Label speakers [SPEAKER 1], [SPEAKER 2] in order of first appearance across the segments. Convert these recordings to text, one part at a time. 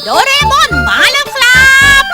[SPEAKER 1] โดเรมอนมาแล้วครับ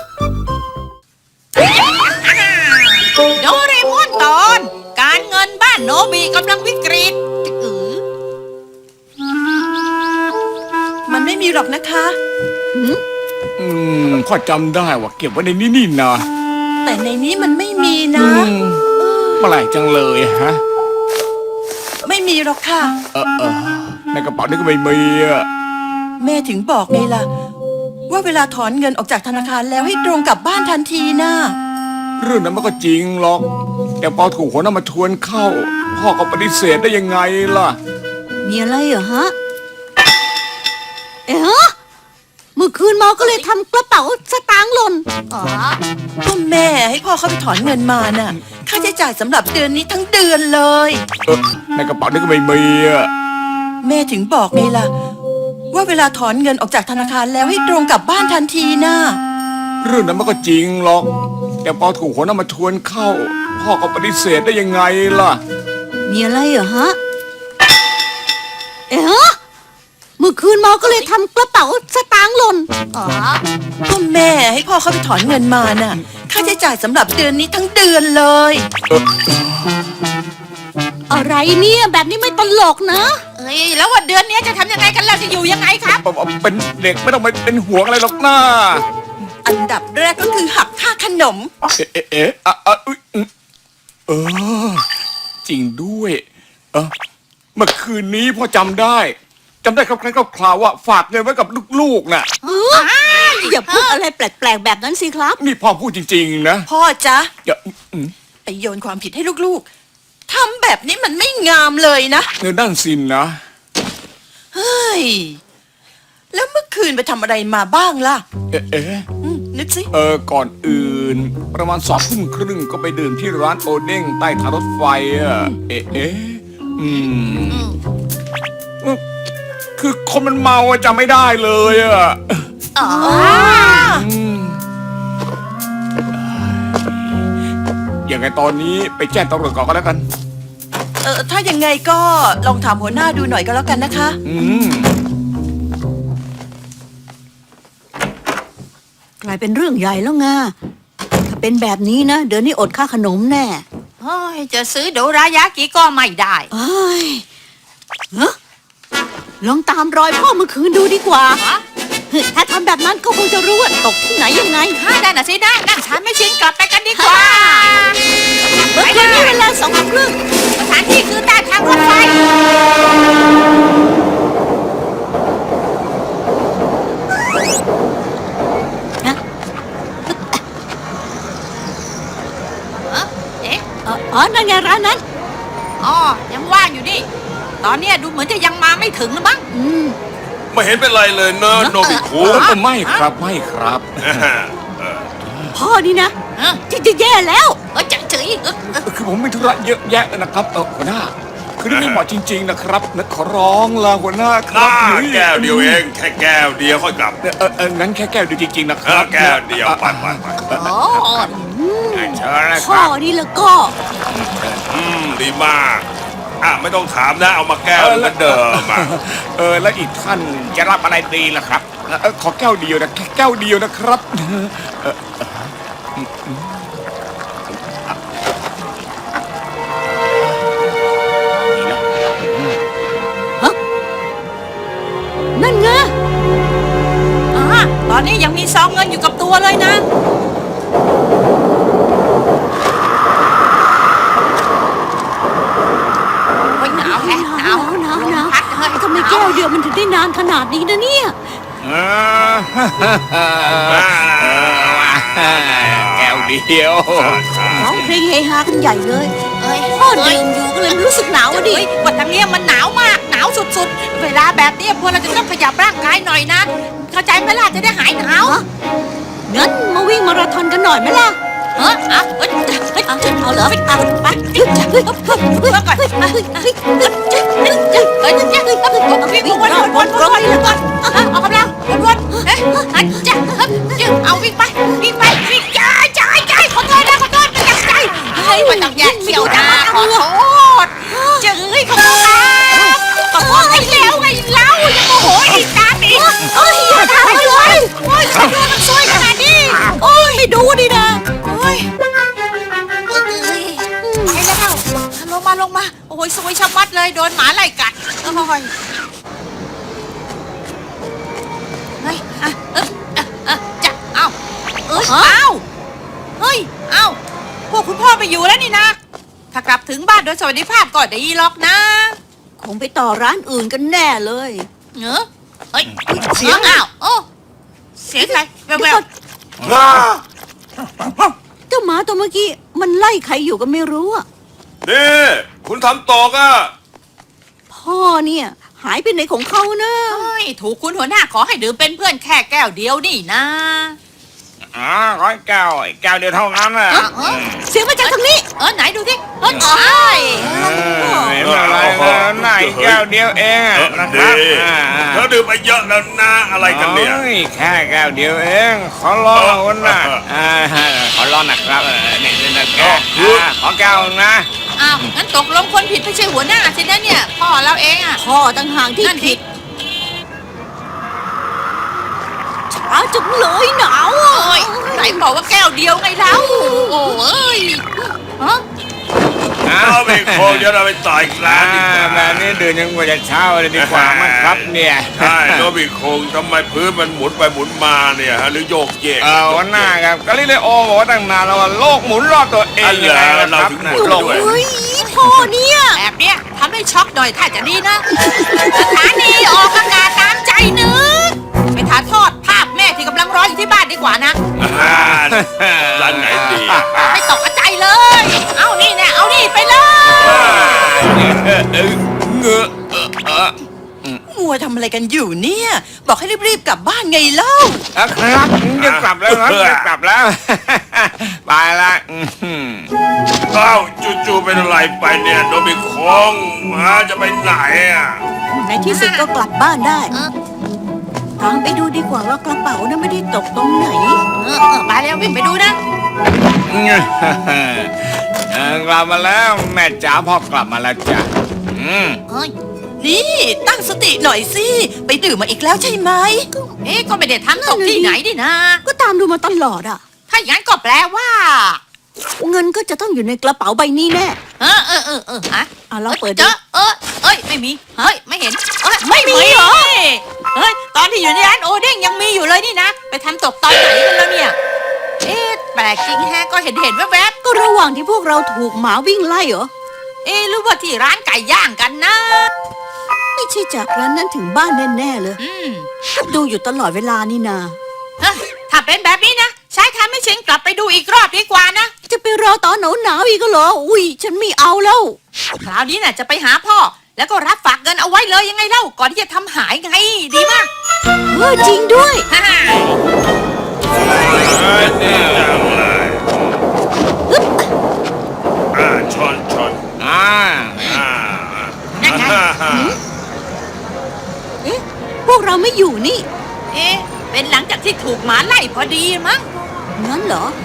[SPEAKER 1] โดเรมอนตอนการเงินบ้านโนบิกำลังวิกฤต
[SPEAKER 2] มันไม่มีหรอกนะคะ
[SPEAKER 3] พ่อจำได้ว่าเก็บไว้ในนี้นี่นะ
[SPEAKER 2] แต่ในนี้มันไม่มีนะ
[SPEAKER 3] เมื่อไหร่จังเลยฮะ
[SPEAKER 2] ไม่มีหรอกค่ะ
[SPEAKER 3] ในกระเป๋านี่ก็ไม่มีอะ
[SPEAKER 2] แม่ถึงบอกไงล่ะ ว่าเวลาถอนเงินออกจากธนาคารแล้วให้ตรงกลับบ้านทันทีนะ
[SPEAKER 3] เรื่องนั้นมันก็จริงหรอกแต่พอถูกหัวหน้ามาชวนเข้า พ่อก็ปฏิเสธได้ยังไงล่ะ
[SPEAKER 4] มีอะไรเหรอฮะ เอ๊ะเมื่อคืนเมาก็เลยทำกระเป๋าสตางค์หล่น
[SPEAKER 2] ก็แม่ให้พ่อเขาไปถอนเงินมาน่ะ ค่าใช้จ่ายสำหรับเดือนนี้ทั้งเดือนเลย
[SPEAKER 3] ในกระเป๋านี่ก็ไม่มีอะ
[SPEAKER 2] แม่ถึงบอกไงล่ะ ว่าเวลาถอนเงินออกจากธนาคารแล้วให้ตรงกลับบ้านทันทีนะ
[SPEAKER 3] เรื่องนั้นมันก็จริงหรอกแต่พอถูกหัวหน้ามาชวนเข้า พ่อก็ปฏิเสธได้ยังไงล่ะ
[SPEAKER 4] มีอะไรเหรอฮะ เอ๊ะเมื่อคืนเมาก็เลยทำกระเป๋าสตางค์หล่น
[SPEAKER 2] ก็แม่ให้พ่อเขาไปถอนเงินมาน่ะ ค่าใช้จ่ายสำหรับเดือนนี้ทั้งเดือนเลย
[SPEAKER 4] อะไรเนี่ยแบบนี้ไม่ตลกนะ
[SPEAKER 1] แล้วว่าเดือนนี้จะทำยังไงกันล่ะจะอยู่ยังไงครับ
[SPEAKER 3] เป็นเด็กไม่ต้องไปเป็นห่วงอะไรหรอกนะ
[SPEAKER 2] อันดับแรกก็คือหักค่าขนม
[SPEAKER 3] เออจริงด้วยเมื่อคืนนี้พ่อจำได้คร่าวๆว่าฝากเงินไว้กับลูกๆน่ะ
[SPEAKER 4] อย่าพูดอะไรแปลกๆแบบนั้นสิครับ
[SPEAKER 3] นี่พ่อพูดจริงๆนะ
[SPEAKER 2] พ่อจ๊ะ
[SPEAKER 3] อย่า
[SPEAKER 2] ไปโยนความผิดให้ลูกๆทำแบบนี้มันไม่งามเลยนะ
[SPEAKER 3] เงินด้านสินนะ
[SPEAKER 2] เฮ้ย แล้วเมื่อคืนไปทำอะไรมาบ้างล่ะ นึกสิ
[SPEAKER 3] ก่อนอื่น ประมาณ2:30ก็ไปดื่มที่ร้านโอเด้งใต้ทางรถไฟอ่ะคือคนมันเมาอะจำไม่ได้เลยอ่ะยังไงตอนนี้ไปแจ้งตำรวจก่อนก็แล้วกัน
[SPEAKER 2] ถ้ายังไงก็ลองถามหัวหน้าดูหน่อยก็แล้วกันนะคะ
[SPEAKER 4] กลายเป็นเรื่องใหญ่แล้วไงถ้าเป็นแบบนี้นะเดือนนี้อดค่าขนมแน่
[SPEAKER 1] จะซื้อโดรายากิก็ไม่ได้
[SPEAKER 4] เอ้ยเฮ้ลองตามรอยพ่อเมื่อคืนดูดีกว่าถ้าทำแบบนั้นก็คงจะรู้ว่าตกที่ไหนยังไง
[SPEAKER 1] ได้น่ะสิได้นั่งฉันไม่ชินกลับไปกันดีกว่า
[SPEAKER 4] เมื่อคืนนี้เวลา2:30
[SPEAKER 1] สถานที่คือใต้ทางรถไฟ
[SPEAKER 4] นั่นไงร้านนั้น
[SPEAKER 1] ยังว่างอยู่นี่ ตอนนี้ดูเหมือนจะยังมาไม่ถึงนะมั้ง
[SPEAKER 5] ไม่เห็นเป็นไรเลยเนอะโนบิคุ
[SPEAKER 3] ไม่ครับ
[SPEAKER 4] พ่อนี่นะจะแย่แล้ว
[SPEAKER 1] จะเฉย
[SPEAKER 3] คือผมมีธุระเยอะแยะนะครับหัวหน้าคือนี่ไม่เหมาะจริงๆนะครับนะขอร้องลาหัวหน้าครับ
[SPEAKER 5] แก้วเดียวเองแค่แก้วเดียวค่อยกลับ
[SPEAKER 3] งั้นแค่แก้วเดียวจริงๆนะครับ
[SPEAKER 5] แก้วเดียวไปเชิญเลยค
[SPEAKER 4] พ่อ
[SPEAKER 5] รับ
[SPEAKER 4] นี่แล้วก็
[SPEAKER 5] ดีมากไม่ต้องถามนะเอามาแก้วเหมือนเดิม
[SPEAKER 3] แล้วอีกท่านจะรับอะไรดีล่ะครับขอแก้วเดียวนะแค่แก้วเดียวนะครับ
[SPEAKER 4] นั่นไง
[SPEAKER 1] ตอนนี้ยังมีซองเงินอยู่กับตัวเลยนะหนาวแฮะหนาวพัดเฮ้ย
[SPEAKER 4] ทำไมแก้วเดียวมันถึงได้นานขนาดนี้นะเนี่ย
[SPEAKER 3] แก้วเดียว
[SPEAKER 4] ร้องเพลงเฮฮากันใหญ่เลยพ่อดื่มอยู่ก็เลยรู้สึกหนาวดิ
[SPEAKER 1] วันนี้มันหนาวมากหนาวสุดๆเวลาแบบนี้พวกเราจะต้องขยับร่างกายหน่อยนะเข้าใจไหมล่ะจะได้หายหนาว
[SPEAKER 4] งั้นมาวิ่งมาราธอนกันหน่อยไหมล่ะเอาเหรอไปวิ่งก่อนวนก่อน
[SPEAKER 1] ออกกำลังวนเอาวิ่งไปวิ่งใจขอโทษไม่ตั้งใจไม่ต้องแยกเขี้ยวนะขอโทษขอโทษขอโทษไอ้แล้วไงเล่าอย่าโมโหอีกตาดิอย่าทำเลยยเฮ้ยจะเอ้าเอ้ยเอ้าเฮ้ยเอ้าพวกคุณพ่อไปอยู่แล้วนี่นะถ้ากลับถึงบ้านโดยสวัสดิภาพก็ดีหรอกนะ
[SPEAKER 4] คงไปต่อร้านอื่นกันแน่เลย
[SPEAKER 1] เนอะเฮ้ยเสียงอ้าวโอ้เสียงอะไรแวว
[SPEAKER 4] เจ้าหมาตัวเมื่อกี้มันไล่ใครอยู่ก็ไม่รู้อะ
[SPEAKER 5] นี่คุณทำตกอ่ะ
[SPEAKER 4] พ่อเนี่ยหายไปไหนของเขานะ
[SPEAKER 1] เฮ้ยถูกคุณหัวหน้าขอให้ดื่มเป็นเพื่อนแค่แก้วเดียวนี่นะ
[SPEAKER 3] อ๋อร้อยแก้วแก้วเดียวเท่านั้นน่ะ
[SPEAKER 4] เสียงมาจากทางนี้
[SPEAKER 1] ไหนดูสิเฮ้ย
[SPEAKER 3] ไม่เป็นไรนะไหนแก้วเดียวเองอะนะค
[SPEAKER 5] ดี
[SPEAKER 3] รับ
[SPEAKER 5] เธอดื่มไปเยอะแล้วนะอะไรกันเนี่ย
[SPEAKER 3] โอ้แค่แก้วเดียวเองขอร้องนะขอร้องนะครับนี่นะแก้วขอแก้วนะ
[SPEAKER 1] อ้าวงั้นตกลงคนผิดไม่ใช่หัวหน้าสินะเนี่ยพ่อเราเองอ่ะ
[SPEAKER 4] พ่อต่างหากที่
[SPEAKER 1] นั่น
[SPEAKER 4] ผิ
[SPEAKER 1] ผิ
[SPEAKER 4] ด
[SPEAKER 1] ด
[SPEAKER 4] ช้าจังเลยหนาวอะ
[SPEAKER 1] โอ้ยไหนบอกว่าแก้วเดียวไงเล่าโอ้ยฮะ
[SPEAKER 5] เอาไปโคงเดี๋ยวเราไปต่ออีกร้านดีกว่า
[SPEAKER 3] แบบนี้ดื่มยังกว่าจะเช้าเลยดีกว่ามั้งครับเนี่ย
[SPEAKER 5] ใช่โนบิโคงทำไมพื้นมันหมุนไปหมุนมาเนี่ยฮะหรือโยกเยก
[SPEAKER 3] วันหน้าครับกาลิเลโอบอกว่าตั้งนานแล้วว่าโลกหมุนรอบตัวเองยังไงนะครับ
[SPEAKER 5] โลก
[SPEAKER 4] เฮ้ยพ่อเนี่ย
[SPEAKER 1] แบบเนี้ยทำให้ช็อกหน่อยถ้าจะดีนะสถานีออกอากาศตามใจนึกไปถ่ายทอดภาพแม่ที่กำลังรออยู่ที่บ้านดีกว่านะ
[SPEAKER 5] ร้านไหนดี
[SPEAKER 1] ไม่ตกใจเลย เอานี่แน่เอานี่ไปเลย
[SPEAKER 2] มัวทำอะไรกันอยู่เนี่ย บอกให้รีบๆกลับบ้านไงเล่า
[SPEAKER 3] ครับจะกลับแล้วครับจะกลับแล้วไปละ
[SPEAKER 5] เอ้าจู่ๆเป็นอะไรไปเนี่ยโนบิโคงจะไปไหนอ่ะ
[SPEAKER 4] ในที่สุดก็กลับบ้านได้ตามไปดูดีกว่าว่ากระเป๋านั้นไม่ได้ตกตรงไหน
[SPEAKER 1] ไปแล้ววิ่งไปดูนะ
[SPEAKER 3] กลับมาแล้วแม่จ๋าพ่อกลับมาแล้วจ้ะ
[SPEAKER 1] เฮ้ย
[SPEAKER 2] นี่ตั้งสติหน่อยสิ ไปดื่มมาอีกแล้วใช่ไหม
[SPEAKER 1] ก็ไม่ได้ทำตกที่ไหนดินะ
[SPEAKER 4] ก็ตามดูมาตลอดอะ
[SPEAKER 1] ถ้าอย่างนั้นก็แปลว่า
[SPEAKER 4] เงินก็จะต้องอยู่ในกระเป๋าใบนี้แน่
[SPEAKER 1] ฮะ
[SPEAKER 4] ลองเปิด
[SPEAKER 1] เจ
[SPEAKER 4] ดู
[SPEAKER 1] ไม่มี เฮ้ย ไม่เห็นไม่มีเหรอ เฮ้ย ตอนที่อยู่ในร้านโอเด้งยังมีอยู่เลยนี่นะ ไปทำตกตอนไหนกันแล้วเนี่ย แปลกจริงแฮะ ก็เห็นแวบ
[SPEAKER 4] ก็ระหว่างที่พวกเราถูกหมาวิ่งไล่เหรอ
[SPEAKER 1] หรือว่าที่ร้านไก่ย่างกันนะ
[SPEAKER 4] ไม่ใช่จากร้านนั้นถึงบ้านแน่ๆเลย ก็ดูอยู่ตลอดเวลานี่นา
[SPEAKER 1] ถ้าเป็นแบบนี้นะใช้ทำให้ฉันกลับไปดูอีกรอบดีกว่านะ
[SPEAKER 4] จะไปรอตอนหนาวๆอีกเหรอ อุ้ยฉันไม่เอาแล้ว
[SPEAKER 1] คราวนี้น่ะจะไปหาพ่อ แล้วก็รับฝากเงินเอาไว้เลยยังไงเล่า ก่อนที่จะทำหายไง ดีมาก
[SPEAKER 4] จริงด้วย
[SPEAKER 1] ฮ่า
[SPEAKER 5] ชน
[SPEAKER 1] นั่นไง
[SPEAKER 4] พวกเราไม่อยู่นี่
[SPEAKER 1] เป็นหลังจากที่ถูกหมาไล่พอดีมั้ง
[SPEAKER 4] งั้นเหรอ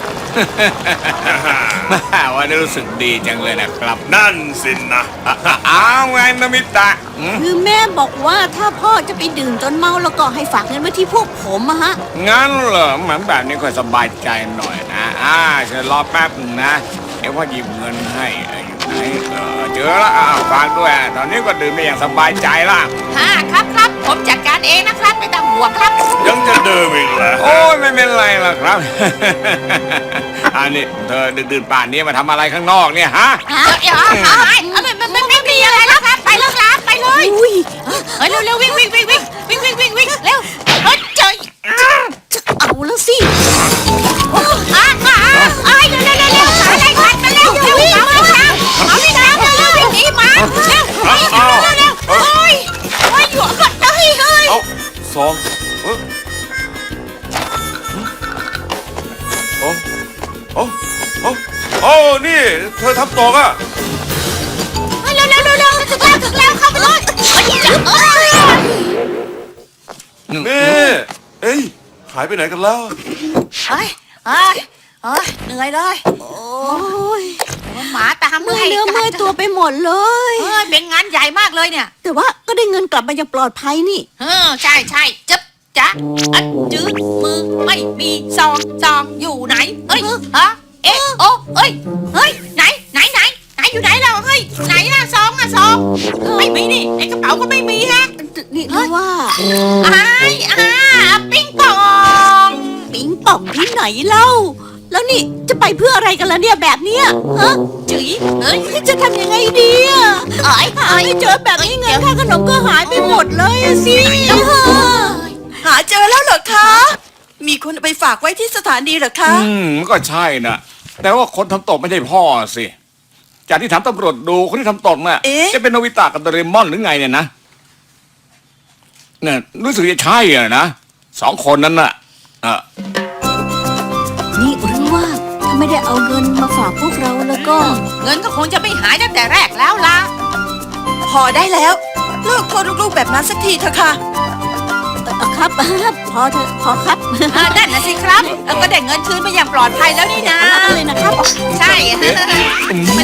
[SPEAKER 3] วันนี้รู้สึกดีจังเลยนะครับ
[SPEAKER 5] นั่นสินะ
[SPEAKER 3] อ้าวไงนามิตะ
[SPEAKER 4] คือแม่บอกว่าถ้าพ่อจะไปดื่มจนเมาแล้วก็ให้ฝากเงินไว้ที่พวกผมอะฮะ
[SPEAKER 3] งั้นเหรอเหมือนแบบนี้ค่อยสบายใจหน่อยนะเชิญรอแป๊บนึงนะเดี๋ยวพ่อหยิบเงินให้อยู่ไหนเจอแล้วฝากด้วยตอนนี้ก็ดื่มได้อย่างสบายใจละ
[SPEAKER 1] ครับผมจัดการเองนะครับไม่ต้องห่วงครับ
[SPEAKER 5] ยังจะเดิมอีกเหรอ
[SPEAKER 3] โอ้ยไม่เป็นไรหรอกครับ อันนี้เธอดื่นๆป่านนี้มาทำอะไรข้างนอกเนี่ยฮะ
[SPEAKER 1] ไม่มีอะไรแล้วครับ ไปแล้วครับ ไปเลย
[SPEAKER 4] อุ้ย
[SPEAKER 1] เฮ้ยเร็ววิ่งเร็วเฮ้ยเจอ
[SPEAKER 4] จะเอาแล้วสิ
[SPEAKER 1] เร็วอะไรกันมาเร็วเอาวิ่งตามเร็ววิ่งหนีมาเร็วโอ้ยอยู่ก่อนเฮ้ย
[SPEAKER 5] เอาสองโอ้นี่เธอทำตกอ่ะ
[SPEAKER 1] เร็วถึงแล้วเข้าไปเลย
[SPEAKER 5] นี่เอ้ยหายไปไหนกันแล้ว
[SPEAKER 1] เฮ้ยเหนื่อยเลย
[SPEAKER 4] โอ้ย
[SPEAKER 1] หมาตาม
[SPEAKER 4] เมื่อยเนื้อเมื่อยตัวไปหมดเลย
[SPEAKER 1] เป็นงานใหญ่มากเลยเนี่ย
[SPEAKER 4] แต่ว่าก็ได้เงินกลับมาอย่างปลอดภัยนี่
[SPEAKER 1] ใช่จ๊บจ๊ะอัดจืดมือไม่มีซองอยู่ไหนเฮ้ยไหนอยู่ไหนเราเฮ้ยไหนล่ะซองอะซองไม่มีนี่ในกระเป๋าก็ไม่มีฮะ
[SPEAKER 4] นี่รู้ว่า
[SPEAKER 1] ปิ้งปอง
[SPEAKER 4] ปิงป่องที่ไหนเล่า แล้วนี่จะไปเพื่ออะไรกันล่ะเนี่ยแบบเนี้ยฮะจุ๋ยจะทำยังไงดีอ่ะหาไม่เจอแบบนี้เงินค่าขนมก็หายไปหมดเลยอะสิ
[SPEAKER 2] หาเจอแล้วเหรอคะ มีคนเอาไปฝากไว้ที่สถานีเหรอคะ
[SPEAKER 3] มันก็ใช่นะแต่ว่าคนทำตกไม่ใช่พ่อสิจากที่ถามตำรวจดูคนที่ทำตกน่ะ
[SPEAKER 2] เอ๊ะ
[SPEAKER 3] จะเป็นโนบิตะกับโดเรมอนหรือไงเนี่ยนะเนี่ยรู้สึกจะใช่อะนะสองคนนั้นน่ะ
[SPEAKER 4] นี่รู้ว่าถ้าไม่ได้เอาเงินมาฝากพวกเราแล้วก็
[SPEAKER 1] เงินก็คงจะไม่หายตั้งแต่แรกแล้วล่ะ
[SPEAKER 2] พอได้แล้ว เลิกโทษลูกๆแบบนั้นสักทีเถอะค่ะ
[SPEAKER 4] ครับ พอเถอะพอครับ
[SPEAKER 1] นั่นนะสิครับก็ได้เงินคืนมาอย่างปลอดภัยแล้วนี่นะ
[SPEAKER 4] เลยนะครับ
[SPEAKER 1] ใช่
[SPEAKER 3] เอ๊ะ